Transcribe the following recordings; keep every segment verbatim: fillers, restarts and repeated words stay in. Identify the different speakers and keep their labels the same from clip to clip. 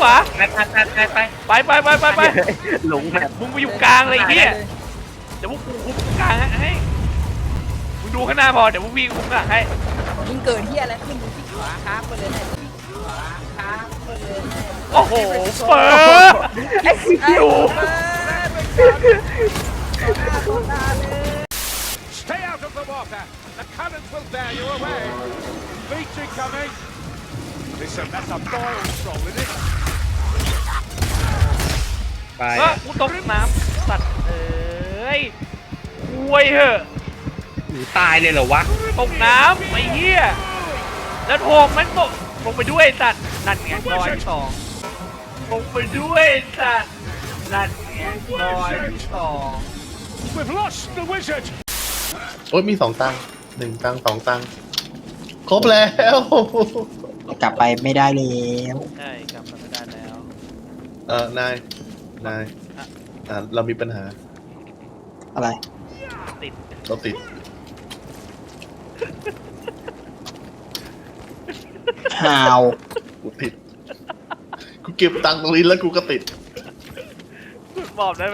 Speaker 1: ขวา
Speaker 2: ไปไปไปไป
Speaker 1: ไปไปไปไปไป
Speaker 3: หลงแบบ
Speaker 1: มึงไปอยู่กลางเลยไอ้เหี้ยเดี๋ยวพวกกูคุมกลางให้มึงดูข้างหน้าพอเดี๋ยวพวกพี่คุมข้างหลังให้
Speaker 4: มึงเกิดเฮียอะไรขึ้นมึงที่ขวาครับมาเลยนะขวาครับมาเลย
Speaker 1: โอ้โหเปิดไอ้คิว
Speaker 5: Stay out of the water. The cannons will bear you away. Beach incoming. Listen, that's a boil roll, isn't it?
Speaker 2: ไป
Speaker 1: เออกูตกน้ำสัตว์เอ้ยอวยเหอะ
Speaker 2: หนูตายเลยเหรอวะ
Speaker 1: ตกน้ำไอ้เหี้ยแล้วโถมมันตกลงไปด้วยสัตว์นั่นไงลอยสองลงไปด้วยสัตว์นั่นไงลอยสอง
Speaker 5: We've lost the wizard.
Speaker 6: โอ้ยมีสองตังค์หนึ่งตังค์สองตังค์ครบแล้ว
Speaker 3: กลับไปไม่ได้แล้ว
Speaker 1: ใช่กลับมาไม่ได้แล้ว
Speaker 6: เออนายนายอ่าเรามีปัญหา
Speaker 3: อะไร
Speaker 1: ติด
Speaker 6: เราติด
Speaker 3: ฮาว
Speaker 6: กูติดกูเก็บตังค์ตรงนี้แล้วกูก็ติด
Speaker 1: บอกได้ไหม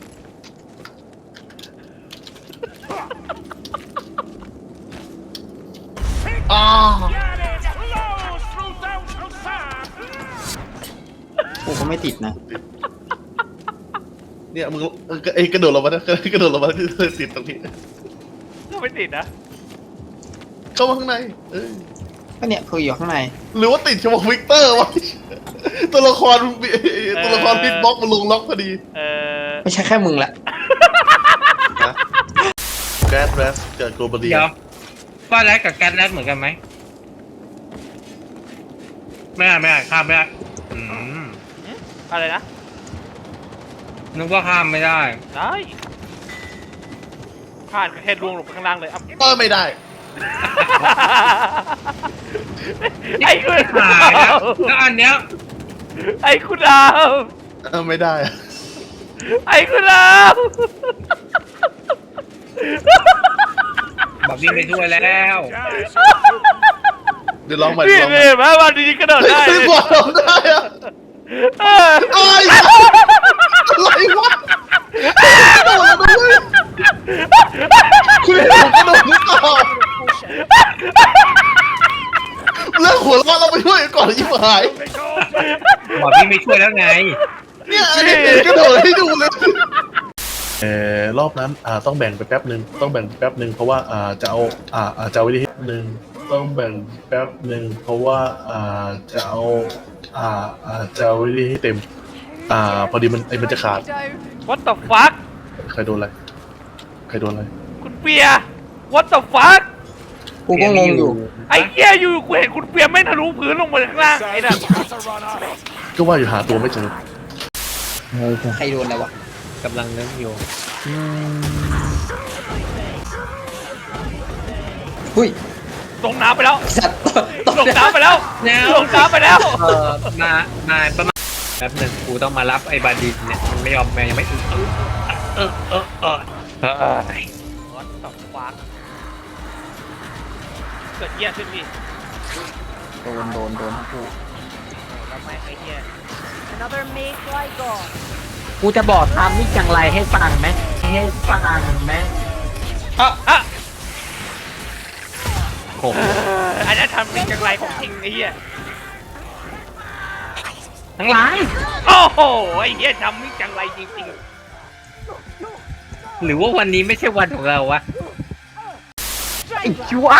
Speaker 6: อ้า
Speaker 5: Get it close through downhill sand.
Speaker 3: กูก็ไม่ติดนะ
Speaker 6: เนี่ยมึงไอ้กระโดดลงมานะกระโดดลงมาที่ติดตรงนี้
Speaker 1: ก็ไม่ติดนะ
Speaker 6: เข้ามาข้างในเอ้ย
Speaker 3: ก็เนี่ยคืออยู่ข้างใน
Speaker 6: หรือว่าติดเฉพาะวิกเตอร์วะตัวละครตัวละครบิ๊กบ็อกมันลงล็อกพอดี
Speaker 1: เออ
Speaker 3: ไม่ใช่แค่มึงแหละ
Speaker 6: นะแกสแรสเกิดโกลบอลี
Speaker 2: เดี๋ยวฟ้าแรกกับแก๊สแรกเหมือนกันไหมไม่ได้ไม่ได้ข้ามไม่ได้อืม
Speaker 1: อะไรนะ
Speaker 2: นึกว่าข้ามไม่ได้
Speaker 1: ได้ผ่านแค่ดวงลงไปข้างล่างเลยอ่ะ
Speaker 6: ก็ไม่ได้
Speaker 1: ไอ้คุณ
Speaker 2: หาย
Speaker 1: ดา
Speaker 2: แล้ว
Speaker 1: ว
Speaker 2: แล้วอันเนี้ย
Speaker 1: ไอ้คุณดาว
Speaker 6: เออไม่ได้อะ
Speaker 1: ไอ้คุณดาว
Speaker 2: บอกวิ่งไปช่วยแล้ว
Speaker 6: เดี๋ยวลองใหม่
Speaker 1: พี่
Speaker 6: ลองใหม่
Speaker 1: เห็นไหมวันนี้กระโดดได้
Speaker 6: ไม่บอกลองได้อะ
Speaker 1: เออ
Speaker 6: ไอ้ยอะไรวะกระโดดมาเลยคุณเห็นผมกระโดดหรือเปล่าเลิกหัวเราะเราไปช่วยก่อนยิ่งหาย
Speaker 2: บอกวิ่งไปช่วยแล้วไง
Speaker 6: เนี่ยอันนี้กระโดดให้ดูเลยเออรอบนั้นอ่าต้องแบ่งไปแป๊บหนึ่งต้องแบ่งแป๊บหนึ่งเพราะว่าอ่าจะเอาอ่าอ่าจะเอาไว้ที่หนึ่งต้องแบ่งแป๊บหนึ่งเพราะว่าอ่าจะเอาอ่าอ่าจะเอาไว้ที่ให้เต็มอ่าพอดีมันไอ้มันจะขาด
Speaker 1: What the fuck
Speaker 6: ใครโดนอะไรใครโดนอะไร
Speaker 1: คุณเปีย What the fuck
Speaker 3: กูก็งงอยู่
Speaker 1: ไอ้เหี้ยอยู่กูเห็นคุณเปียไม่ทะลุพื้นลงมาข้างล่างไอ้น่ะ
Speaker 5: That's a runner.
Speaker 6: ก็ว่าอยู่หาตัวไม่เจอ
Speaker 3: ใครโดนอะไรวะ
Speaker 2: กำลังนึกอยู่
Speaker 3: หุ้ย
Speaker 1: ลงน้ำไปแล้ว
Speaker 3: สัตว์ตก
Speaker 1: ลงน้ำไปแล้ว
Speaker 2: แล้ว
Speaker 1: ลงน้ำไปแล้ว
Speaker 2: เออมามาประมาณแป๊บหนึ่งกูต้องมารับไอ้บาดินเนี่ยมันไม่ยอมแม่ยังไม่ถึงเออเออเออเออเออ
Speaker 1: What the fuck เกิดเหี้ยขึ้นพี่
Speaker 3: โดนโดนโดนทั้งคู่
Speaker 1: แล้วไม่ไอ้เหี้ย
Speaker 4: Another make like God
Speaker 3: กูจะบอกทำนี่จังไรให้ฟังไหมให้ฟังไหม
Speaker 1: อ่ะอ่ะ
Speaker 2: โอ้โห
Speaker 1: อันนั้นทำเป็นจังไรของจริงไอ้เหี้ย
Speaker 2: ทั้งหลาย
Speaker 1: โอ้โหไอ้เหี้ยทำเป็นจังไรจริง
Speaker 2: หรือว่าวันนี้ไม่ใช่วันของเราวะ
Speaker 3: ไอ้ชัว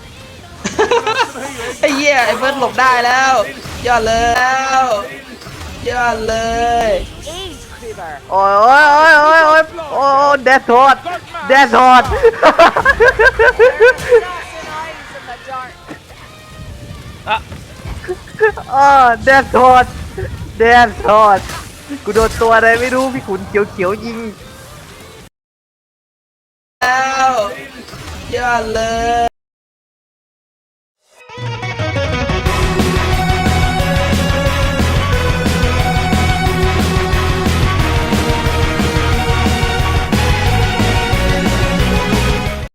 Speaker 3: ไอ้เหี้ยไอ้เบิร์ดหลบได้แล้ว ยอดเลยแล้วยอดเลย
Speaker 4: Ace Creeper
Speaker 3: โอ้ยโอ้ยโอ้ยโอ้ยโอ้ยโอ้เดดโทดเดดโทด
Speaker 4: There's nothing eyes in the dark
Speaker 1: ๆอ่ะ
Speaker 3: เออเดดโทดเดดโทดกูโดนตัวอะไรไม่รู้พี่ขุนเขียวๆยิงแล้วยอดเลย